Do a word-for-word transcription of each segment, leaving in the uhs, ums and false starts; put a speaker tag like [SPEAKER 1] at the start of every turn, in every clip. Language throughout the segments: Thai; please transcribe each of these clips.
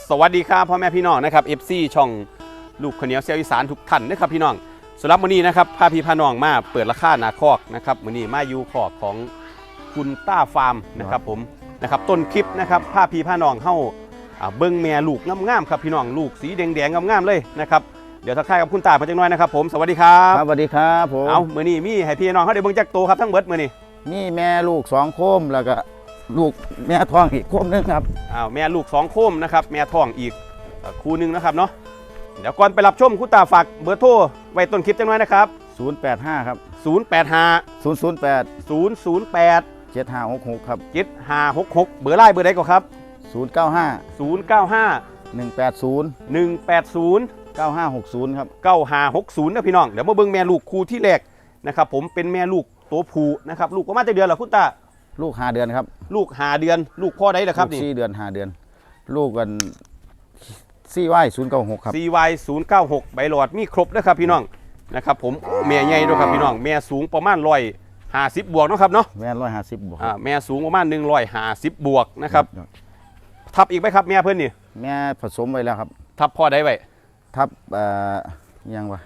[SPEAKER 1] สวัสดีครับพ่อแม่พี่น้องนะครับ เอฟ ซี ช่องลูกขเหนียวเสียวอีสานทุกท่านนะครับพี่น้องสำหรับมื้อนี้นะครับพาพี่พาน้องมาเปิดราคาหนาคอกนะครับมื้อนี้มาอยู่คอกของคุณต้าฟาร์มนะครับผมนะครับต้นคลิปนะครับพาพี่พาน้องเข้าเบิ้งแม่ลูกงามๆครับพี่น้องลูกสีแดงๆงามๆเลยนะครับเดี๋ยวทักทายกับคุณตาเพิ่นจักหน่อยนะครับผมสวัสดีครับ
[SPEAKER 2] ครับสวัสดีครับผม
[SPEAKER 1] เอามื้อนี้มีให้พี่น้องเขาได้เบิ่งจักโตครับทั้งเบิดมื้อนี้
[SPEAKER 2] มีแม่ลูกสองโคมแล้วก็ลูกแม่ท้องอีกโคมนึงครับ
[SPEAKER 1] อ้าวแม่ลูกสองโคมนะครับแม่ท้องอีกคู่นึงนะครับเนาะเดี๋ยวก่อนไปรับชมคุณตาฝากเบอร์โทรไว้ต้นคลิปจังหน่อยนะครับ
[SPEAKER 2] ศูนย์แปดห้าครับ
[SPEAKER 1] ศูนย์ แปด ห้า
[SPEAKER 2] ศูนย์ ศูนย์ แปด
[SPEAKER 1] ศูนย์ ศูนย์ แปด
[SPEAKER 2] เจ็ด ห้า หก หกครับ
[SPEAKER 1] เจ็ด ห้า หก หกเบอร์ไลน์เบอร์ใดก่อนครับ
[SPEAKER 2] ศูนย์ เก้า ห้า
[SPEAKER 1] ศูนย์ เก้า ห้า
[SPEAKER 2] หนึ่ง แปด ศูนย์
[SPEAKER 1] หนึ่ง แปด ศูนย์
[SPEAKER 2] เก้า ห้า หก ศูนย์ครับ
[SPEAKER 1] เก้า ห้า หก ศูนย์นะพี่น้องเดี๋ยวมาเบิ่งแม่ลูกคู่ที่แรกนะครับผมเป็นแม่ลูกตัวผู้นะครับลูกประมาณเดือนเหรอคุณตา
[SPEAKER 2] ลูกห้าเดือนครับ
[SPEAKER 1] ลูกห้าเดือนลูกพ่อได้เหรอครับนี่
[SPEAKER 2] สี่เดือนห้าเดือนลูกกันซีวายศูนย์เก้าหกครับ
[SPEAKER 1] ซี วาย ศูนย์ เก้า หกใบหลอดมีครบนะครับพี่น้องนะครับผมแม่ใหญ่ด้วยครับพี่น้องแม่สูงประมาณร้อยห้าสิบบวกเนาะครับเนาะ
[SPEAKER 2] แม่ร้อยห้าสิบบวก
[SPEAKER 1] อ่าแม่สูงประมาณหนึ่งร้อยห้าสิบบวกนะครับทับอีกไหมครับแม่เพื่อนนี่
[SPEAKER 2] แม่ผสมไว้แล้วครับ
[SPEAKER 1] ทับพ่อได้ไว้
[SPEAKER 2] ทับเอ่อยังวะ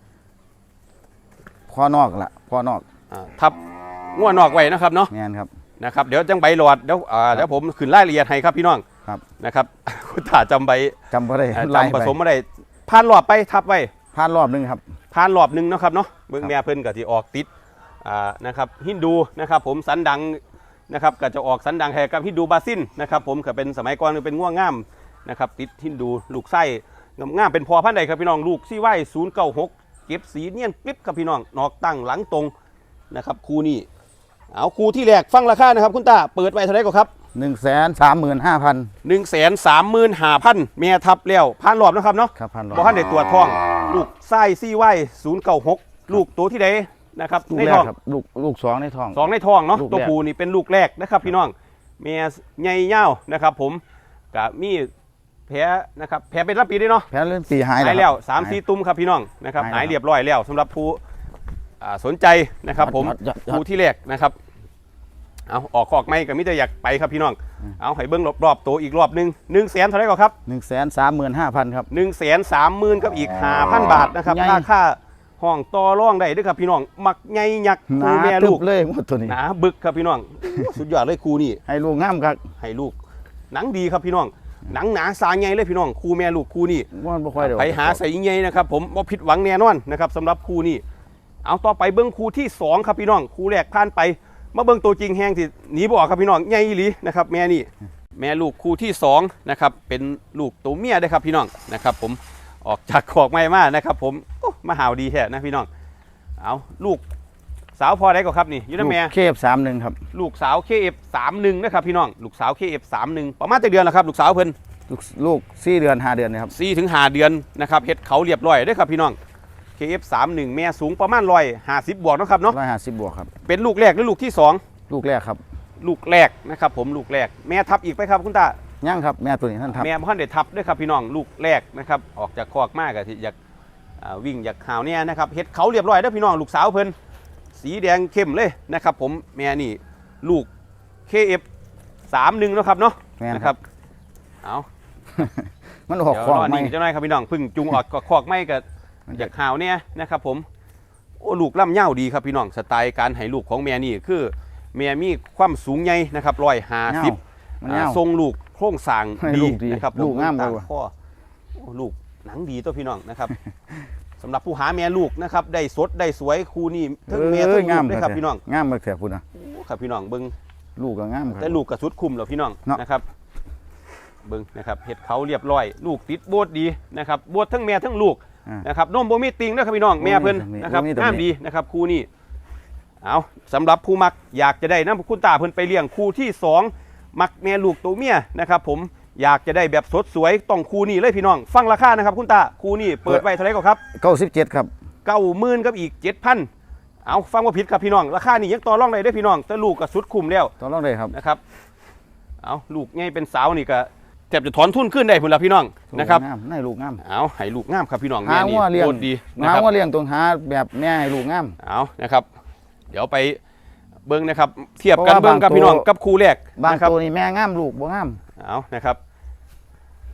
[SPEAKER 2] พ่อนอกละพ่อนอก
[SPEAKER 1] อ่าทับง้วนอกไว้นะครับเนาะ
[SPEAKER 2] แม่นครับ
[SPEAKER 1] นะครับเดี๋ยวจังใบหลอดเดี๋ยวอ่าเดี๋ยวผมขึ้นรายละเอียดให้ครับพี่น้อง
[SPEAKER 2] ครับ
[SPEAKER 1] นะครับคุณตาจำใบ
[SPEAKER 2] จำไม่ได้
[SPEAKER 1] จำผสมไม่ได้ผ่านรอบไปทับไว้
[SPEAKER 2] ผ่านรอบนึงครับ
[SPEAKER 1] ผ่านรอบนึงนะครับเนาะเบื้องแม่เพิ่นก็ที่ออกติดอ่านะครับฮินดูนะครับผมสันดังนะครับก็จะออกสันดังแห่กับฮินดูบาซินนะครับผมก็เป็นสมัยก่อนเป็นง่วงง่ามนะครับติดฮินดูลูกไส้ง่ามเป็นพอพันธุ์ใดครับพี่น้องลูกซี่ไว้ศูนย์เก้าหกเก็บสีเนียนกริบครับพี่น้องนอกตั้งหลังตรงนะครับคู่นี้เอาคู่ที่แรกฟังราคานะครับคุณตาเปิดไว้เท่าไหร่ก็ครับ
[SPEAKER 2] หนึ่งแสนสามหมื่นห้าพัน
[SPEAKER 1] หนึ่งแสนสามหมื่นห้าพันเมียทับแล้วผ่านรอบนะครับเนาะ
[SPEAKER 2] ครับผ่านรอบ
[SPEAKER 1] บ่ทันได้ตรวจท้องลูกไส้ซี่ไว้ศูนย์เก้าหกลูกตัวที่ใดนะครับ
[SPEAKER 2] ในท้องลูกลูกสองในท้อง
[SPEAKER 1] สองในท้องเนาะตัวผู้นี่เป็นลูกแรกนะครับพี่น้องเมียใหญ่ยาวนะครับผมกับมีแผลนะครับแผลเป็นรับปีด้วยเนาะ
[SPEAKER 2] แผลเริ่มปีหาย
[SPEAKER 1] แล้วสามสี่ตุ้มครับพี่น้องนะครับหายเรียบร้อยแล้วสำหรับผู้สนใจนะครับผมผู้ที่แรกนะครับเอาออกคอกไม่กับมิจะอยากไปครับพี่น้องเอาให้เบิ้งรอบๆตัวอีกรอบหนึ่งหนึ่งแสนเท่าไรก่อนครับ
[SPEAKER 2] หนึ่งแสนสามหมื่นห้าพันครับ
[SPEAKER 1] หนึ่งแสนสามหมื่นกับอีกห้าพันบาทนะครับราคาห้องต่อร่องได้ด้วยครับพี่น้องมักใหญ่ยักษ์คู่แม่ลูก
[SPEAKER 2] เลยหมดตัวนี้
[SPEAKER 1] หนาบึกครับพี่น้องสุดยอดเลยคู่นี้
[SPEAKER 2] ให้ลูกงามครับ
[SPEAKER 1] ให้ลูกหนังดีครับพี่น้องหนังหนาสาใหญ่เลยพี่น้องคู่แม่ลูกคู่นี้ไปหาใส่ใหญ่นะครับผมว่าผิดหวังแน่นอนนะครับสำหรับคู่นี้เอาต่อไปเบิ้งคู่ที่สองครับพี่น้องคู่แรกผ่านไปมาเบิ้งตัวจริงแห้งที่หนีบออกครับพี่น้องใหญ่หลีนะครับแม่นี่แม่ลูกคู่ที่สองนะครับเป็นลูกตัวเมียได้ครับพี่น้องนะครับผมออกจากขอกไม่มานะครับผมมาหาวดีแท้นะพี่น้องเอาลูกสาวพอได้ก็ครับนี่ยูนแม่
[SPEAKER 2] เคฟสามหนึ่งครับ
[SPEAKER 1] ลูกสาวเคเอฟสามหนึ่งนะครับพี่น้องลูกสาวเคเอฟสามหนึ่งประมาณเดือนแล้วครับลูกสาวเพิ่น
[SPEAKER 2] ลูกสี่เดือนห้าเดือนนะครับ
[SPEAKER 1] สี่ถึงห้าเดือนนะครับเฮ็ดเขาเรียบร้อยได้ครับพี่น้องเคเอฟสามหนึ่งแม่สูงประมาณร้อยห้าสิบบวกนะครับเนาะ
[SPEAKER 2] ร้อยห้าสิบบวกครับ
[SPEAKER 1] เป็นลูกแรกหรือลูกที่สอง
[SPEAKER 2] ลูกแรกครับ
[SPEAKER 1] ลูกแรกนะครับผมลูกแรกแม่ทับอีกไหมครับคุณตา
[SPEAKER 2] ย่างครับแม่ตัวนี้ท่านทับ
[SPEAKER 1] แม่พ่อเด็ดทับด้วยครับพี่น้องลูกแรกนะครับออกจากคอกมากอะที่อยากวิ่งอยากข่าวเนี่ยนะครับเฮ็ดเขาเรียบร้อยได้พี่น้องลูกสาวเพิ่นสีแดงเข้มเลยนะครับผมแม่นี่ลูก เค เอฟ สามหนึ่งนะครับเนาะนะครับเอา
[SPEAKER 2] มันออกคอกไม่
[SPEAKER 1] เจ้าหน่อยครับพี่น้องพึ่งจุงออกคอกไม่กับอยากข่าวเนี่ยนะครับผมโอ้ลูกล่ำเง่าดีครับพี่น้องสไตล์การให้ลูกของแม่นี่คือแม่มีความสูงใหญ่นะครับร้อยห้าสิบทรงลูกโครงสร้างดีนะครับ
[SPEAKER 2] ลูกงามเลย
[SPEAKER 1] พ่อลูกหนังดีตัวพี่น้องนะครับสำหรับผู้หาแม่ลูกนะครับได้สดได้สวยคู่นี้ทั้งแม่ทั้งลูกได้ครับพี่น้อง
[SPEAKER 2] งามมากแถบคุณ
[SPEAKER 1] นะครับพี่น้องเบิ้ง
[SPEAKER 2] ลูกก็งาม
[SPEAKER 1] แต่ลูกกระสุดคุมเหรอพี่น้องนะครับเบิ้งนะครับเห็ดเขาเรียบร้อยลูกติดโบดดีนะครับโบดทั้งแม่ทั้งลูกนะครับนมโบมีติงนะครับพี่น้องแม่เพิ่นนะครับงามดีนะครับคู่นี้เอาสำหรับผู้มักอยากจะได้น้ำคุณตาเพิ่นไปเลี้ยงคู่ที่สองมักแม่ลูกตัวเมียนะครับผมอยากจะได้แบบสดสวยต้องคู่นี้เลยพี่น้องฟังราคานะครับคุณตาคู่นี้เปิดไว้เท่าไหร่ก็ครับ
[SPEAKER 2] เก้าสิบเจ็ดครับ
[SPEAKER 1] เก้าหมื่นกับอีกเจ็ดพันเอาฟังว่าผิดครับพี่น้องราคานี่ยังต่อรองได้ด้วยพี่น้องแต่ลูกก็สุดคุ้มแล้ว
[SPEAKER 2] ต่อรองได้ครับ
[SPEAKER 1] นะครับเอาลูกง่ายเป็นสาวนี่ก็แทบจะถอนทุนขึ้นได้พุ่นละพี่น้องนะครับ
[SPEAKER 2] ให้ลูกงาม
[SPEAKER 1] เอาให้ลูกงามครับพี่น้อง
[SPEAKER 2] แม่นี่โคตร
[SPEAKER 1] ดี
[SPEAKER 2] หาว่าเลี้ยงตรงหาแบบแม่ให้ลูกงาม
[SPEAKER 1] เอานะครับเดี๋ยวไปเบิ้งนะครับเทียบกันเบิ้งกับพี่น้องกับคู่แรก
[SPEAKER 2] บางตัวนี่แม่งามลูกบ่งาม
[SPEAKER 1] เอานะครับใ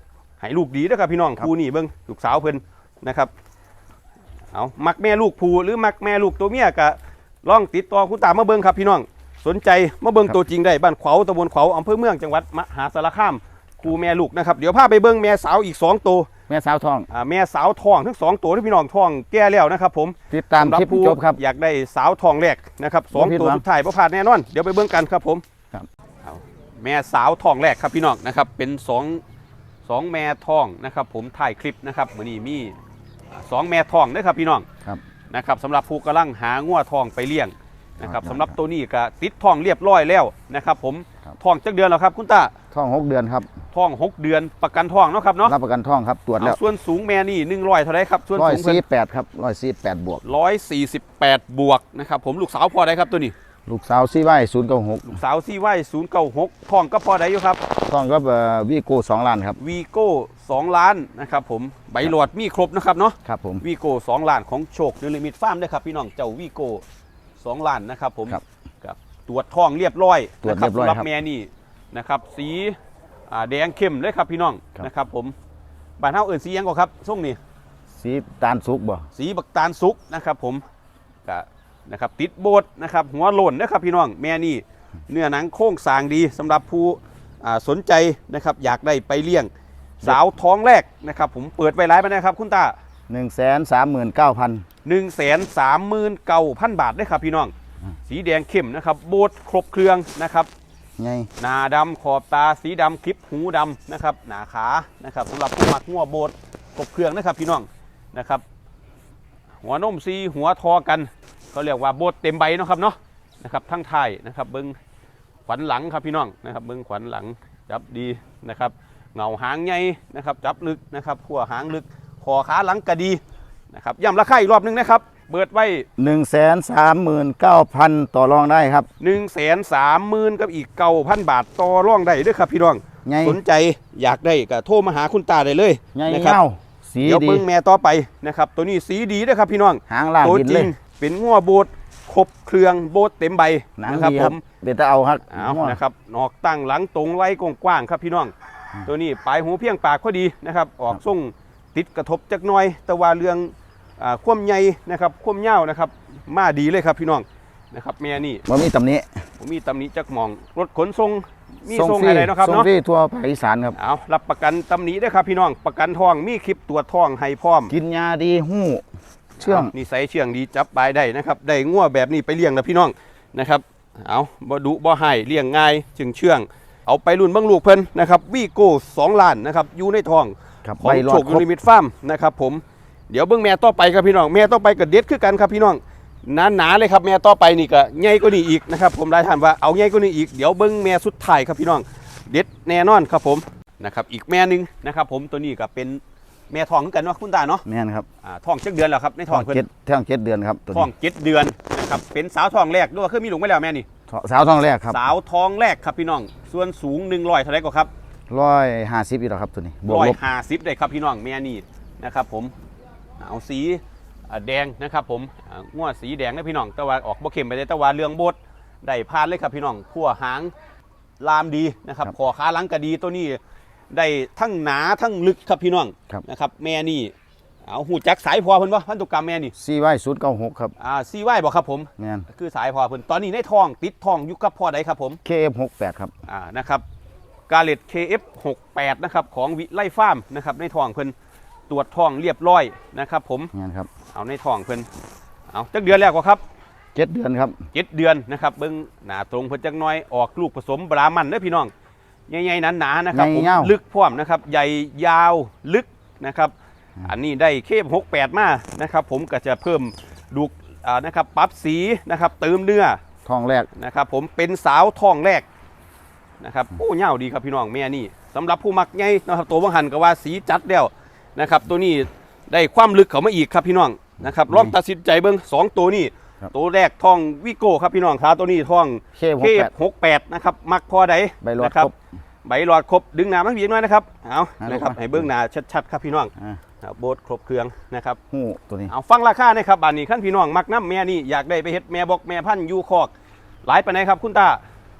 [SPEAKER 1] ให้ลูกดีนะครับพี่น้องครูนี่เบิ้งลูกสาวเพิ่นนะครับเอามักแม่ลูกผูหรือมักแม่ลูกตัวเมียกะลองติดต่อคุณตามาเบิ้งครับพี่น้องสนใจมาเบิ้งตัวจริงได้บ้านขวาวตำบลขวาวอำเภอเมืองจังหวัดมหาสารคามครูแม่ลูกนะครับเดี๋ยวพาไปเบิ้งแม่สาวอีกสองตัว
[SPEAKER 2] แม่สาวทอง
[SPEAKER 1] อ่าแม่สาวทองทั้งสองตัวที่พี่น้องทองแก่แล้วนะครับผม
[SPEAKER 2] ติดตามคลิปจบครับ
[SPEAKER 1] อยากได้สาวทองแรกนะครับสองตัวสุดท้ายประพลาดแน่นอนเดี๋ยวไปเบิ้งกันครับผม
[SPEAKER 2] ครับ
[SPEAKER 1] แม่สาวทองแรกครับพี่น้องนะครับเป็นสองสองแม่ทองนะครับผมถ่ายคลิปนะครับมื้อนี้มีสองแม่ทองนะครับพี่น้องนะครับสำหรับผู้กำลังหางัวทองไปเลี้ยงนะครับสำหรับตัวนี้ก็ติดทองเรียบร้อยแล้วนะครับผมทองจักเดือนแล้วครับคุณตา
[SPEAKER 2] ทองหกเดือนครับ
[SPEAKER 1] ทองหกเดือนประกันทองเนาะครับเนาะ
[SPEAKER 2] รับประกันทองครับตรวจแล้ว
[SPEAKER 1] ส่วนสูงแม่นี่หนึ่งร้อยเท่าไรครับส่วนสูง
[SPEAKER 2] ร้อยสี่สิบแปดครับร้อยสี่สิบแปดบวก
[SPEAKER 1] ร้อยสี่สิบแปดบวกนะครับผมลูกสาวพอได้ครับตัวนี้
[SPEAKER 2] ลูกสาวซีไว้ศูนย์เก้าหก
[SPEAKER 1] ลูกสาวซีไว้ศูนย์เก้าหกทองก็พอได้อยู่ครับ
[SPEAKER 2] ทองก็วีโก้สองล้านครับ
[SPEAKER 1] วีโก้สองล้านนะครับผมใบหลอดมีครบนะครับเนาะ
[SPEAKER 2] ครับผม
[SPEAKER 1] วีโก้สองล้านของโชคนิลิมิตฟาร์มได้ครับพี่น้องเจ้าวีโก้สองล้านนะครับผมกับตรวจทองเรียบร้อย
[SPEAKER 2] ตรวจเรียบร้อยครับ
[SPEAKER 1] แม่นี่นะครับสีแดงเข้มเลยครับพี่น้องนะครับผมบ้านเฮาเอิ้นสียังก่อนครับส้มนี่
[SPEAKER 2] สีตาลสุกบ่
[SPEAKER 1] สีบักตาลสุกนะครับผมก็นะครับติดโบดนะครับหัวโล้นนะครับพี่น้องแม่นี่เนื้อหนังโค้งสร้างดีสำหรับผู้สนใจนะครับอยากได้ไปเลี้ยงสาวท้องแรกนะครับผมเปิดไว้ไลฟ์ไปนะครับคุณตา
[SPEAKER 2] หนึ่งแสนสามหมื่นเก้าพัน
[SPEAKER 1] หนึ่งแสนสามหมื่นเก้าพันบาทได้ครับพี่น้องสีแดงเข้มนะครับโบดครบเครื่องนะครับ
[SPEAKER 2] ไง
[SPEAKER 1] หน้าดำขอบตาสีดำคลิปหูดำนะครับหน้าขานะครับสำหรับผู้มักงัวโบดครบเครื่องนะครับพี่น้องนะครับหัวนมซีหัวทอกันเขาเรียกว่าโบดเต็มใบนะครับเนาะนะครับทั้งท้ายนะครับเบิ้งขวัญหลังครับพี่น้องนะครับเบิ้งขวัญหลังจับดีนะครับเงาหางใหญ่นะครับจับลึกนะครับขั้วหางลึกคอขาหลังกระดีนะครับย้ำราคาอีกรอบนึงนะครับเบิดไว้
[SPEAKER 2] หนึ่งแสนสามหมื่นเก้าพันต่อรองได้ครับ
[SPEAKER 1] หนึ่งแสนสามหมื่นกับอีกเก้าพันบาทต่อรองได้ด้วยครับพี่น้องสนใจอยากได้ก็โทรมาหาคุณตาได้เลย
[SPEAKER 2] นะครับ
[SPEAKER 1] เดี๋ยวเบิ้งแม่ต่อไปนะครับตัวนี้สีดีด้วยครับพี่น้อง
[SPEAKER 2] หางลากดินเลย
[SPEAKER 1] เป็นงัวโบดครบเครื่องโบดเต็มใบ
[SPEAKER 2] นะครับผมเดี๋ยวจะเอาครับ
[SPEAKER 1] เอานะครับนอกตั้งหลังตรงไว้กว้างๆครับพี่น้องตัวนี้ปลายหูเพียงปากพอดีนะครับออกส่งติดกระทบจักหน่อยแต่ว่าเรื่องคว่ำใหญ่นะครับคว่ำเง่านะครับมาดีเลยครับพี่น้องนะครับแม่นี่
[SPEAKER 2] มันมีตำหนิ
[SPEAKER 1] ผมมีตำหนิจักมองรถขนส่งมีส่งอะไรนะครับเนาะ
[SPEAKER 2] ส่งที่ทั่วภาคอีสานครับ
[SPEAKER 1] เอารับประกันตำหนิได้ครับพี่น้องประกันทองมีคลิปตรวจทองให้พร้อม
[SPEAKER 2] กินยาดีหู้เชื่อง
[SPEAKER 1] นิสัยเชื่องดีจับปลายได้นะครับได้งัวแบบนี้ไปเลี้ยงนะพี่น้องนะครับเอาบ่ดุบ่ให้เลี้ยงง่ายจึงเชื่องเอาไปรุ่นเบิ่งลูกเพิ่นนะครับวีโก้สองล้านนะครับอยู่ในทองของโชคนิลิมิตฟาร์มนะครับผมเดี๋ยวเบิ่งแม่ต่อไปครับพี่น้องแม่ต่อไปก็เด็ดคือกันครับพี่น้องหนาๆเลยครับแม่ต่อไปนี่ก็ใหญ่กว่านี้อีกนะครับผมได้ถามว่าเอาใหญ่กว่านี้อีกเดี๋ยวเบิ่งแม่สุดท้ายครับพี่น้องเด็ดแน่นอนครับผมนะครับอีกแม่นึงนะครับผมตัวนี้ก็เป็นแม่ทองเหมือนกันเนาะคุณตาเนาะ
[SPEAKER 2] แม่นครับ
[SPEAKER 1] อ่าทองเจ็ดเดือนแล้วครับในทองเพิ่น
[SPEAKER 2] ท้องเจ็ดเดือนครับ
[SPEAKER 1] ทองเจ็ดเดือนนะครับเป็นสาวทองแรกด้วยคือมีลูกไม่แล้วแม่นี่
[SPEAKER 2] สาวทองแรกครับ
[SPEAKER 1] สาวทองแรกครับพี่น้องส่วนสูงหนึ่งร้อยเท่าไรก็ครับ
[SPEAKER 2] ร้อยห้าสิบอีกแล้วครับตัวนี้
[SPEAKER 1] ร้อยห้าสิบได้ครับพี่น้องแม่นี่นะครับผมเอาสีแดงนะครับผมงัวสีแดงนะพี่น้องแต่ว่าออกบ่เข้มไปเลยแต่ว่าเรื่องบดได้พานเลยครับพี่น้องขั้วหางลามดีนะครับคอขาหลังกระดีตัวนี้ได้ทั้งหนาทั้งลึกครับพี่น้องนะครับแม่นี่เอาหูจักสายพอเพิ่นบ่พันธุกรรมแม่นี่
[SPEAKER 2] ซีไว้ศูนย์เก้าหกครับ
[SPEAKER 1] อ่าซีไว้บอกครับผม
[SPEAKER 2] แม่น
[SPEAKER 1] คือสายพอเพิ่นตอนนี้ในท้องติดท้องอยู่กับพ่อใดครับผม
[SPEAKER 2] เค เอฟ หกแปดครับ
[SPEAKER 1] อ่านะครับกาเลต เค เอฟ หกแปดนะครับของวิไลฟาร์มนะครับในท้องเพิ่นตรวจท้องเรียบร้อยนะครับผม
[SPEAKER 2] แม่นครับ
[SPEAKER 1] เอาในท้องเพิ่นเอาจักเดือนแล้วก็ครับ
[SPEAKER 2] เจ็ดเดือนครับ
[SPEAKER 1] เจ็ดเดือนนะครับเบิ่งหน้าตรงเพิ่นจักหน่อยออกลูกผสมบรามันเด้อพี่น้องใหญ่ๆหนาๆนะครับผมลึกพร้อมนะครับใหญ่ยาวลึกนะครับอันนี้ได้เคฟหกแปดมานะครับผมก็จะเพิ่มดูนะครับปรับสีนะครับเติมเนื้อ
[SPEAKER 2] ทองแรก
[SPEAKER 1] นะครับผมเป็นสาวทองแรกนะครับโอ้เงาดีครับพี่น้องแม่นี่สำหรับผู้มักใหญ่นะครับตัวบังหันก็ว่าสีจัดแล้วนะครับตัวนี้ได้ความลึกเข้ามาอีกครับพี่น้องนะครับลองตัดสินใจเบิ้งสองตัวนี้ตัวแรกทองวิโก้ครับพี่น้องขาตัวนี้ทองเคฟหกแปดนะครับมักพอใดนะครับใบหลอดครบดึงหนามาเพียงน้อยนะครับเอานะครับให้เบื้องหน้าชัดๆครับพี่น้องโบดครบเครื่องนะครับ
[SPEAKER 2] หูตัวนี้
[SPEAKER 1] เอาฟังราคานะครับบ้านนี้ขั้นพี่น้องมักน้ำแม่นี่อยากได้ไปเฮ็ดแม่บอกแม่พันยูคอกหลายปานใดครับคุณตา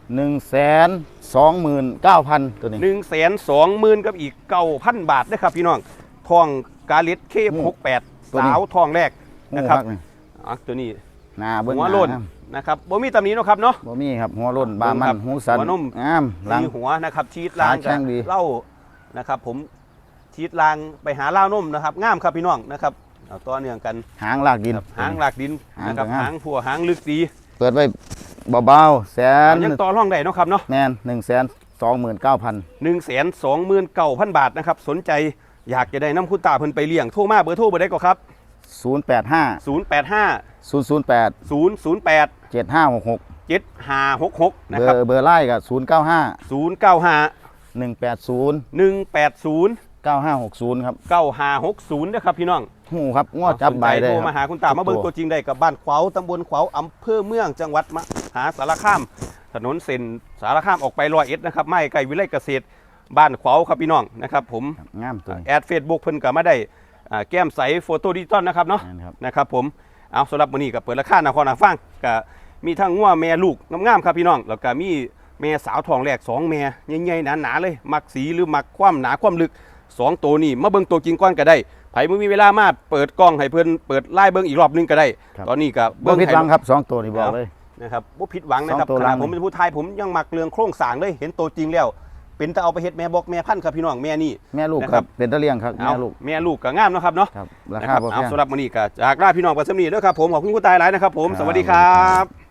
[SPEAKER 2] หนึ่งแสนสองหมื่นเก้าพันตัวนี้
[SPEAKER 1] หนึ่งแสนสองหมื่นกับอีกเก้าพันบาทนะครับพี่น้องทองกาลิตเคหกแปดสาวทองแรกนะครับอ่ะตัวนี้
[SPEAKER 2] หน้าเบิ้ง
[SPEAKER 1] หัวโลนนะครับบ่มีตำหนิเนาะครับเนาะ
[SPEAKER 2] บ่มีครับหัวโลนบามันหูสัน
[SPEAKER 1] หัวนม
[SPEAKER 2] งามหลัง
[SPEAKER 1] มีหัวนะครับชีดลาง
[SPEAKER 2] ขาแข้งดี
[SPEAKER 1] เล่านะครับผมชีดลางไปหาเล่านมนะครับงามครับพี่น้องนะครับเอาต่อเนื่องกัน
[SPEAKER 2] หางลากดิน
[SPEAKER 1] หางหลากดินนะครับ
[SPEAKER 2] หางก็งาม
[SPEAKER 1] หางผัวหางลึกดี
[SPEAKER 2] เปิดไว้เบาๆแสน
[SPEAKER 1] ยังต่อร่องได้เนาะครับเนาะ
[SPEAKER 2] แมนหนึ่งแสนสองหมื่นเก้าพัน
[SPEAKER 1] หนึ่งแสนสองหมื่นเก้าพันบาทนะครับสนใจอยากจะได้น้ำคุณตาเพิ่นไปเลี้ยงโทรมาเบอร์โทรเบอร์ได้ก็ครับ
[SPEAKER 2] ศูนย์แปดห้า
[SPEAKER 1] ศูนย์แปดห้า
[SPEAKER 2] ศูนย์ศูนย์แปด
[SPEAKER 1] ศูนย์ศูนย์แปด
[SPEAKER 2] เจ็ดห้าหกหก
[SPEAKER 1] เจ็ดห้าหกหกนะ
[SPEAKER 2] เบอ
[SPEAKER 1] ครับ
[SPEAKER 2] ร์เบอร์ไล่กับศูนย์เก้าห้า
[SPEAKER 1] ศูนย์เก้าห้า
[SPEAKER 2] หนึ่งแปดศูนย์
[SPEAKER 1] หนึ่งแปดศูนย์
[SPEAKER 2] เก้าห้าหกศูนย์ครับ
[SPEAKER 1] เก้าห้าหกศูนย์นะครับพี่น้อง
[SPEAKER 2] หูครับง้อจับใบได้
[SPEAKER 1] สนใจโทร
[SPEAKER 2] ค
[SPEAKER 1] มา
[SPEAKER 2] รับ
[SPEAKER 1] หาคุณตามาเบิ่งตัวจริงได้กับบ้านขวาวตำบลขวาวอำเภอเมืองจังหวัดมหาสารคามถนนเส้นสารคามออกไปร้อยเอ็ดนะครับไม่ไกลวิไลเกษตรบ้านขวาวครับพี่น้องนะครับผม
[SPEAKER 2] งามตัวนี้
[SPEAKER 1] แอดเฟซบุ๊กเพิ่นก็มาได้อ่าแก้มใสโฟโต้ดิจิตอลนะครับเนาะ
[SPEAKER 2] นั่นครับ
[SPEAKER 1] นะครับผมเอาสำหรับมื้อนี้ก็เปิดราคาหน้าคอหน้าฟังก็มีทั้งงัวแม่ลูกงามๆครับพี่น้องแล้วก็มีแม่สาวทองแรกสองแม่ใหญ่ๆหนาๆเลยมักสีหรือมักความหนาความลึกสองตัวนี้มาเบิ่งตัวจริงก่อนก็ได้ไผบ่มีเวลามาเปิดกล้องให้เพิ่นเปิดไล่เบิ่งอีกรอบนึงก็ได้ ตอนนี้ก็
[SPEAKER 2] บ่ผิดหวังครับสองตัวนี่บอกเลย
[SPEAKER 1] นะครับบ่ผิดหวังนะครับ
[SPEAKER 2] สองตัว
[SPEAKER 1] ขนาด
[SPEAKER 2] ล่าง
[SPEAKER 1] ผมเป็นผู้ไทยผมยังมักเรื่องโครงสร้างเลยเห็นตัวจริงแล้ว เป็นตะเอาไปเฮ็ดแม่บอกแม่พันธุ์ครับพี่น้องแม่นี่
[SPEAKER 2] แม่ลูก
[SPEAKER 1] นะ
[SPEAKER 2] ค
[SPEAKER 1] ครั
[SPEAKER 2] รับ บเป็นตะเลียงครับ
[SPEAKER 1] เอา
[SPEAKER 2] แม่ลูก
[SPEAKER 1] แม่ลูกก็งามเนาะครับเนาะ
[SPEAKER 2] ครับรา
[SPEAKER 1] นะ
[SPEAKER 2] คา
[SPEAKER 1] ครับ
[SPEAKER 2] บ่แพ
[SPEAKER 1] เอา
[SPEAKER 2] ง
[SPEAKER 1] สำหรับมื้อนี้ก็จากลาพี่น้องไปสำนีเด้อครับผมขอบคุณคุณตายหลายนะครับผม
[SPEAKER 2] ครับ
[SPEAKER 1] สวัสดีครับ